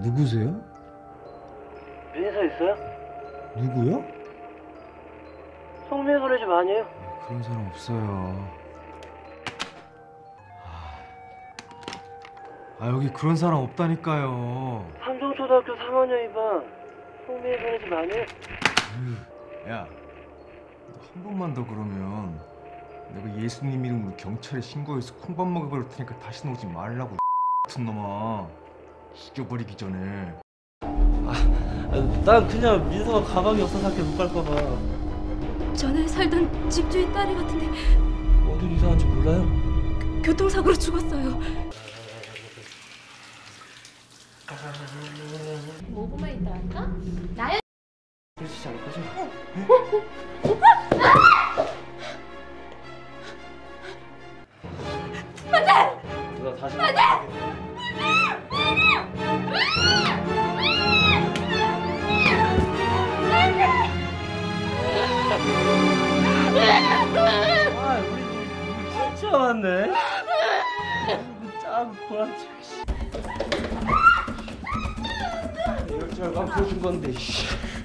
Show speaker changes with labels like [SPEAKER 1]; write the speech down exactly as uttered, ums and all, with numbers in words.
[SPEAKER 1] 누구세요?
[SPEAKER 2] 민서 있어요?
[SPEAKER 1] 누구요?
[SPEAKER 2] 성미애 소리 집 아니에요?
[SPEAKER 1] 그런 사람 없어요. 아 여기 그런 사람 없다니까요.
[SPEAKER 2] 삼성초등학교 삼 학년 이 반 성미애 소리 집 아니에요?
[SPEAKER 1] 야, 너 한 번만 더 그러면 내가 예수님 이름으로 경찰에 신고해서 콩밥 먹여버릴 테니까 다시 오지 말라고. 같은 놈아, 죽여버리기 전에.
[SPEAKER 2] 아, 난 그냥 민서가 가방이 없어서 학교 못 갈까봐.
[SPEAKER 3] 전에 살던 집주인 딸이 같은데
[SPEAKER 2] 어딜 이사한지 몰라요?
[SPEAKER 3] 교통사고로 죽었어요. 오 분만 있다 할까? 나연
[SPEAKER 2] 그러시지 않을 거죠? 안돼! 누나 다시 안돼! 아, 우리 우리 진짜 많네. 짱 보라지. 이럴 줄 알고 안 보여준 건데.